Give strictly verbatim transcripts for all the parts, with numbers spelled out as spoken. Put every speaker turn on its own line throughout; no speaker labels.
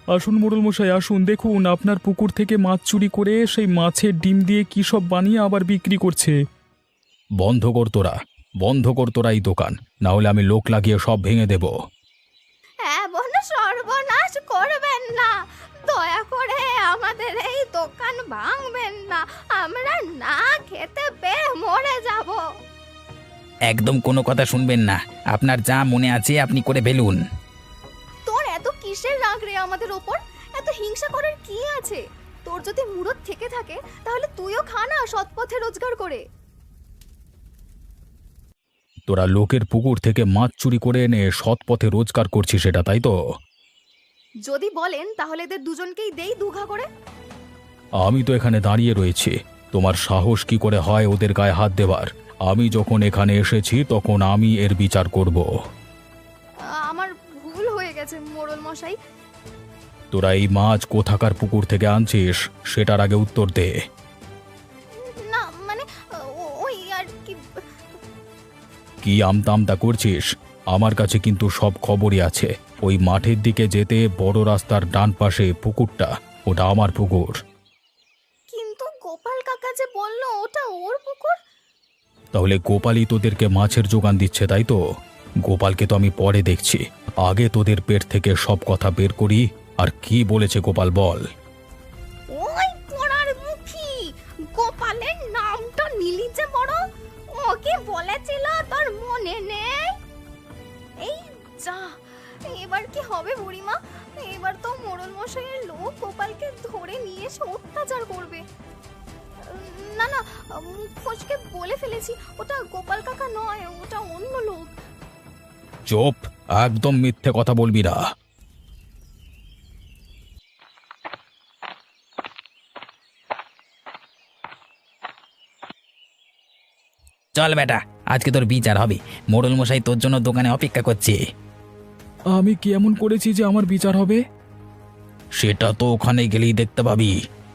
আসুন মোড়ল মশাই, আসুন, দেখুন আপনার পুকুর থেকে মাছ চুরি করে সেই মাছের ডিম দিয়ে কি সব বানিয়ে আবার বিক্রি করছে। বন্ধ কর তোরা, বন্ধ কর তোরা এই দোকান, না হলে আমি লোক লাগিয়ে সব ভেঙে দেব।
এমন সর্বনাশ করবেন না, দয়া করে আমাদের এই দোকান ভাঙবেন না, আমরা না খেতে পেয়ে মরে যাব।
একদম কোনো কথা শুনবেন না, আপনার যা মনে আছে আপনি করে ফেলুন।
তোর এত কিসের রাগ রে আমাদের ওপর? এত হিংসা করার কি আছে? তোর যদি মুরত থেকে থাকে তাহলে তুইও খা না সৎ পথে রোজগার করে।
তোরা লোকের পুকুর থেকে মাছ চুরি করে এনে সৎ পথে রোজগার করছিস, সেটা তাই তো?
যদি বলেন তাহলে এদের দুজনকেই দেই দুঘা করে।
আমি তো এখানে দাঁড়িয়ে রয়েছি, তোমার সাহস কি করে হয় ওদের গায়ে হাত দেবার? আমি যখন এখানে এসেছি তখন আমি এর বিচার করব।
আমার ভুল হয়ে গেছে মোড়ল মশাই।
তোরা এই মাছ কোথাকার পুকুর থেকে আনছিস সেটার আগে উত্তর দে।
না মানে ও- ওই আর কি।
কি আমতামতা করছিস? আমার কাছে কিন্তু সব খবরই আছে। ওই মাঠের দিকে যেতে বড় রাস্তার ডান পাশে পুকুরটা, ওটা আমার পুকুর।
কিন্তু গোপাল কাকা যে বললো ওটা ওর পুকুর।
তাহলে গোপালই তোদেরকে মাছের জোগান দিচ্ছে, তাই তো? গোপালকে তো আমি পরে দেখছি, আগে তোদের পেট থেকে সব কথা বের করি। আর কি বলেছে গোপাল বল?
ওই পোড়ার মুখী গোপালের নামটা নিলি যে বড়, ওকে বলেছিল তোর মনে নেই? এই যা, এবার কি হবে বুড়িমা? এবার তো মোড়ল মশাইয়ের লোক গোপালকে ধরে নিয়ে এসে অত্যাচার করবে। না না, মুখ ফসকে বলে ফেলেছি, ওটা গোপাল কাকা নয়, ওটা অন্য লোক।
চুপ, একদম মিথ্যে কথা বলবি না।
চল বেটা, আজকে তোর বিচার হবে। মোড়ল মশাই তোর জন্য দোকানে অপেক্ষা করছে।
আমি কি এমন করেছি যে আমার বিচার হবে? সেটা তো ওখানে গেলেই দেখতে পাবি।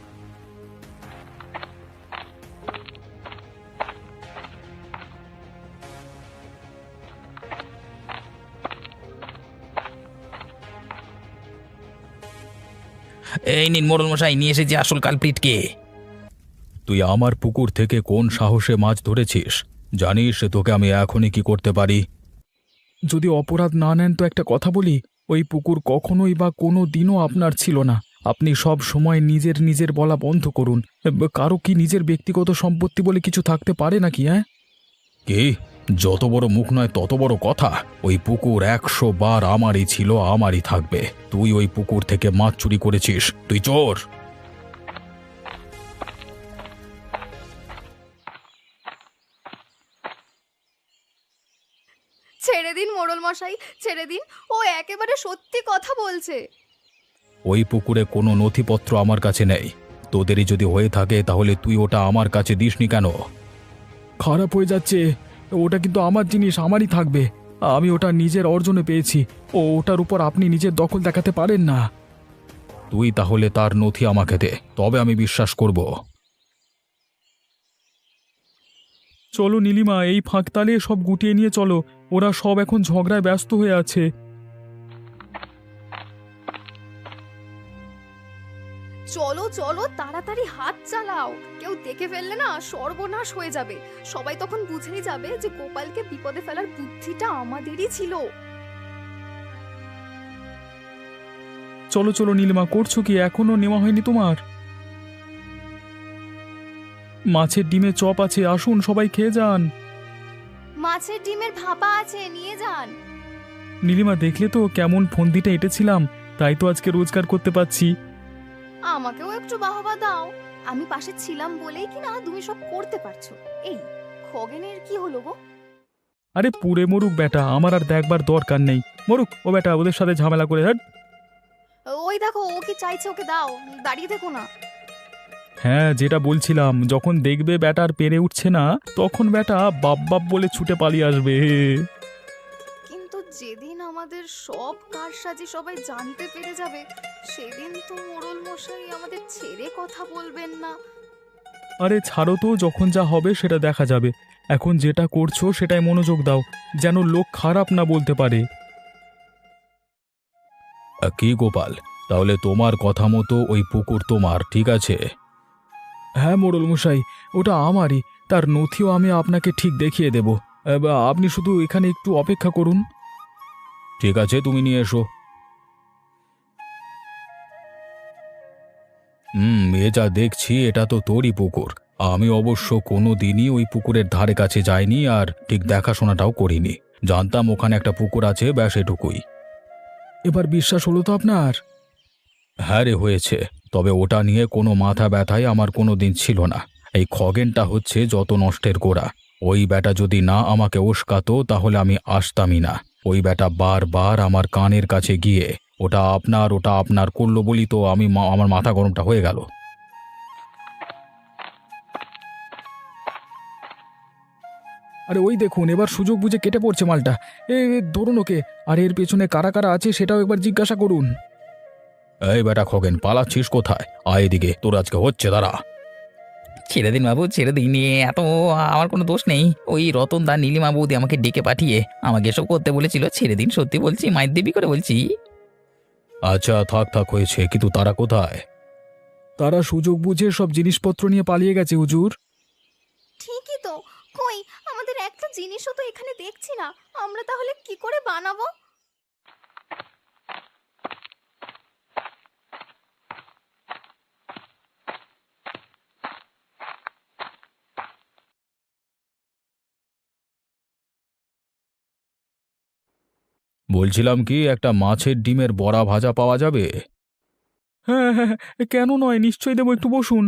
এই নিন মোড়ল মশাই, নিয়ে এসেছি আসল কালপ্রিটকে।
তুই আমার পুকুর থেকে কোন সাহসে মাছ ধরেছিস? জানিস তোকে আমি এখনই কি করতে পারি? যদি অপরাধ না নেন তো একটা কথা বলি, ওই পুকুর কখনোই বা কোনো দিনও আপনার ছিল না। আপনি সব সময় নিজের নিজের বলা বন্ধ করুন। কারো কি নিজের ব্যক্তিগত সম্পত্তি বলে কিছু থাকতে পারে নাকি? হ্যাঁ, কি? যত বড় মুখ নয় তত বড় কথা। ওই পুকুর একশো বার আমারই ছিল, আমারই থাকবে। তুই ওই পুকুর থেকে মাছ চুরি করেছিস, তুই চোর।
ছেড়ে দিন মোড়ল মশাই, ছেড়ে দিন, ও একেবারে সত্যি কথা বলছে।
ওই পুকুরে কোনো নথিপত্র আমার কাছে নেই। তোদেরই যদি হয়ে থাকে তাহলে তুই ওটা আমার কাছে দিসনি কেন? খারাপ হয়ে যাচ্ছে, ওটা কিন্তু আমার জিনিস, আমারই থাকবে। আমি ওটা নিজের অর্জনে পেয়েছি, ও ওটার উপর আপনি নিজের দখল দেখাতে পারেন না। তুই তাহলে তার নথি আমাকে দে, তবে আমি বিশ্বাস করব। চলো নীলিমা, এই ফাঁকতালে সব গুটিয়ে নিয়ে চলো। ওরা সব এখন ঝগড়ায় ব্যস্ত হয়ে আছে।
চলো চলো, তাড়াতাড়ি হাত চালাও, কেউ দেখে ফেললে না সর্বনাশ হয়ে যাবে। সবাই তখন বুঝেই যাবে যে গোপালকে বিপদে ফেলার বুদ্ধিটা আমাদেরই ছিল।
চলো চলো নীলিমা, করছো কি? এখনো নেওয়া হয়নি তোমার? মাছের ডিমে চপ আছে, আসুন সবাই খেয়ে যান।
মাছের ডিমের ভাপা আছে, নিয়ে যান।
নীলিমা, দেখলে তো কেমন ফন্দিটা এঁটেছিলাম, তাই তো আজকে রোজগার করতে পারছি।
আমাকেও একটু বাহবা দাও, আমি পাশে ছিলাম বলেই কি না তুমি সব করতে পারছো। এই খগেনের কি হলো গো?
আরে পুড়ে মরুক বেটা, আমার আর দেখবার দরকার নেই। মরুক ও বেটা, ওদের সাথে ঝামেলা করে। হ্যাঁ
ওই দেখো, ও কি চাইছে, ওকে দাও, দাঁড়িয়ে থেকো না।
হ্যাঁ, যেটা বলছিলাম, যখন দেখবে ব্যাটার পেরে উঠছে না তখন ব্যাটা বাপ বাপ বলে ছুটে পালিয়ে আসবে।
কিন্তু যেদিন আমাদের সব কারসাজি সবাই জানতে পেরে যাবে, সেদিন তো মোড়ল মশাই আমাদের ছেড়ে কথা বলবেন না।
আরে ছাড়ো তো, যখন যা হবে সেটা দেখা যাবে। এখন যেটা করছো সেটাই মনোযোগ দাও, যেন লোক খারাপ না বলতে পারে। কি গোপাল, তাহলে তোমার কথা মতো ওই পুকুর তোমার, ঠিক আছে? হ্যাঁ মোড়ল মশাই, ওটা আমারই। তার নথিও আমি আপনাকে ঠিক দেখিয়ে দেব। এবার আপনি শুধু এখানে একটু অপেক্ষা করুন। ঠিক আছে, তুমি নিয়ে এসো। হুম, এ যা দেখছি এটা তো তোরই পুকুর। আমি অবশ্য কোনো দিনই ওই পুকুরের ধারে কাছে যাইনি, আর ঠিক দেখাশোনাটাও করিনি। জানতাম ওখানে একটা পুকুর আছে, ব্যাস এটুকুই। এবার বিশ্বাস হলো তো আপনার? হ্যাঁ রে, হয়েছে। তবে ওটা নিয়ে কোনো মাথা ব্যথাই আমার কোনো দিন ছিল না। এই খগেনটা হচ্ছে যত নষ্টের গোড়া। ওই ব্যাটা যদি না আমাকে উস্কাতো তাহলে আমি আসতামই না। ওই ব্যাটা বারবার আমার কানের কাছে গিয়ে ওটা আপনার ওটা আপনার করলো বলি তো আমি মা- আমার মাথা গরমটা হয়ে গেল। আরে ওই দেখুন, এবার সুযোগ বুঝে কেটে পড়ছে মালটা। এ এ, ধরুন ওকে। আর এর পেছনে কারা কারা আছে সেটাও একবার জিজ্ঞাসা করুন। এই বেটা খগেন, পালাচ্ছিস কোথায়? আয় এদিকে, তোর আজকে হচ্ছে, দাঁড়া।
ছেড়ে দিন বাবু, ছেড়ে দিন। এ এত আমার কোনো দোষ নেই। ওই রতন দা নীলিমা বৌদি আমাকে ডেকে পাঠিয়ে আমাকে এসব করতে বলেছিল। ছেড়ে দিন, সত্যি বলছি, মায়ের দেবী করে বলছি।
আচ্ছা থাক থাক, হয়েছে। কিন্তু তারা কোথায়? তারা সুযোগ বুঝে সব জিনিসপত্র নিয়ে পালিয়ে গেছে হুজুর।
ঠিকই তো। কই, আমাদের একটা জিনিসও তো এখানে দেখছি না। আমরা তাহলে কি করে বানাবো?
বলছিলাম কি, একটা মাছের ডিমের বড়া ভাজা পাওয়া যাবে? হ্যাঁ হ্যাঁ হ্যাঁ, কেন নয়, নিশ্চয়ই দেবো, একটু বসুন।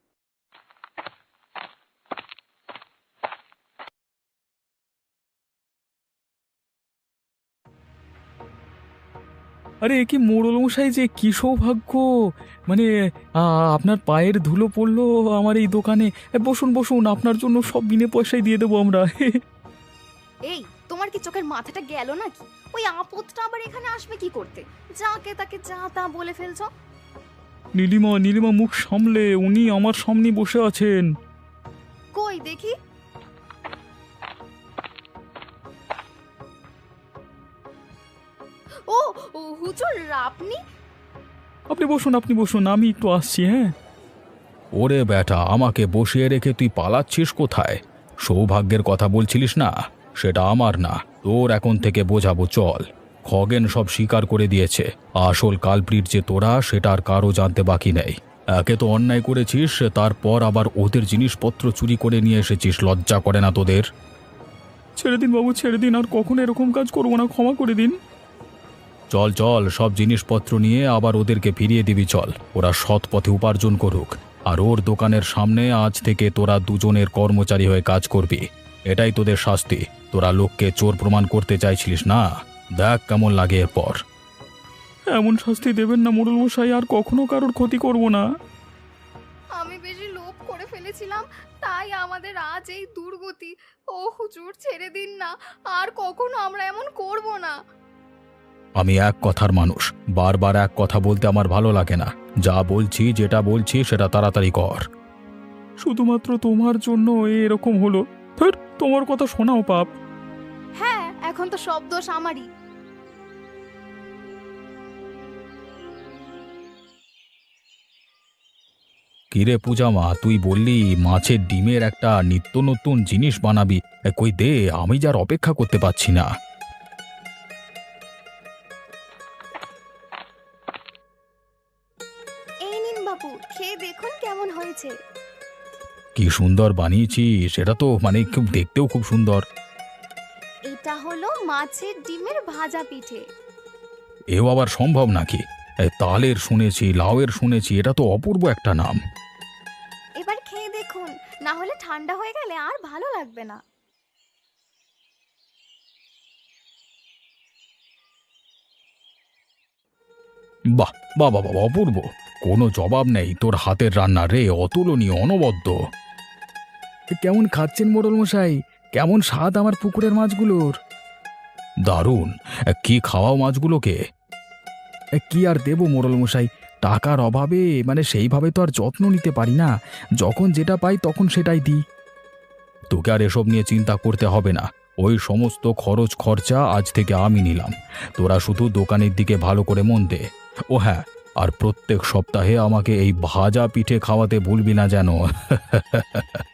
আরে এ কি মোড়ল মশাই, যে কি সৌভাগ্য! মানে আ, আপনার পায়ের ধুলো পড়লো আমার এই দোকানে। এ, বসুন বসুন, আপনার জন্য সব বিনে পয়সায় দিয়ে দেবো আমরা।
এই, তোমার কি চোখের মাথাটা গেল নাকি? ওই আপদটা আবার এখানে আসবে কি করতে? যাকে তাকে যা তা বলে ফেলছো।
নীলিমা, নীলিমা, মুখ সামলে, উনি আমার সামনে বসে আছেন।
কই দেখি। ও ও, হুজুর আপনি?
আপনি বসুন, আপনি বসুন, আমি একটু আসছি। হ্যাঁ। ওরে ব্যাটা, আমাকে বসিয়ে রেখে তুই পালাচ্ছিস কোথায়? সৌভাগ্যের কথা বলছিলিস না? সেটা আমার না, তোর এখন থেকে বোঝাবো, চল। খগেন সব স্বীকার করে দিয়েছে। আসল কালপ্রিট যে তোরা, সেটা আর কারো জানতে বাকি নেই। একে তো অন্যায় করেছিস, তারপর আবার ওদের জিনিসপত্র চুরি করে নিয়ে এসেছিস। লজ্জা করে না তোদের? ছেড়ে দিন বাবু, ছেড়ে দিন। আর কখনো এরকম কাজ করবো না, ক্ষমা করে দিন। চল চল, সব জিনিসপত্র নিয়ে আবার ওদেরকে ফিরিয়ে দিবি, চল। ওরা সৎ পথে উপার্জন করুক। আর ওর দোকানের সামনে আজ থেকে তোরা দুজনের কর্মচারী হয়ে কাজ করবি। এটাই তোদের শাস্তি। তোরা লোককে চোর প্রমাণ করতে চাইছিলিস না? দেখ কেমন লাগে এরপর। এমন শাস্তি দেবেন না মোড়ল মশাই, আর কখনো কারোর ক্ষতি করব না।
আমি বেশি লোভ করে ফেলেছিলাম, তাই আমাদের আজ এই দুর্গতি। ও হুজুর, ছেড়ে দিন না। আর কখনো আমরা এমন করব না।
আমি এক কথার মানুষ, বারবার এক কথা বলতে আমার ভালো লাগে না। যা বলছি, যেটা বলছি সেটা তাড়াতাড়ি কর। শুধুমাত্র তোমার জন্য এরকম হলো। ধুর, তোমার কথা শোনাও পাপ।
হ্যাঁ, এখন তো সব দোষ আমারই।
কিরে পূজা মা, তুই বললি মাছের ডিমের একটা নিত্য নতুন জিনিস বানাবি। এ, কই দে, আমি যার অপেক্ষা করতে পারছি না।
এই নিন বাবু, খেয়ে দেখুন কেমন হয়েছে।
কি সুন্দর বানিয়েছি, সেটা তো মানে খুব দেখতেও খুব সুন্দর।
এটা হলো মাছের ডিমের ভাজা পিঠে।
এও আবার সম্ভব নাকি? এ, তালের শুনেছি, লাউয়ের শুনেছি, এটা তো অপূর্ব একটা নাম।
এবার খেয়ে দেখুন, না হলে ঠান্ডা হয়ে গেলে আর ভালো লাগবে না।
বাহ বাহ বাহ বাহ, অপূর্ব। কোনো জবাব নেই তোর হাতের রান্না রে, অতুলনীয়, অনবদ্য। কেমন খাচ্ছেন মোড়ল মশাই? কেমন স্বাদ আমার পুকুরের মাছগুলোর? দারুণ। কি খাওয়াও মাছগুলোকে? কি আর দেবো মোড়ল মশাই, টাকার অভাবে মানে সেইভাবে তো আর যত্ন নিতে পারি না। যখন যেটা পাই তখন সেটাই দিই। তোকে আর এসব নিয়ে চিন্তা করতে হবে না। ওই সমস্ত খরচ খরচা আজ থেকে আমি নিলাম। তোরা শুধু দোকানের দিকে ভালো করে মন দে। ও হ্যাঁ, আর প্রত্যেক সপ্তাহে আমাকে এই ভাজা পিঠে খাওয়াতে ভুলবি না যেন।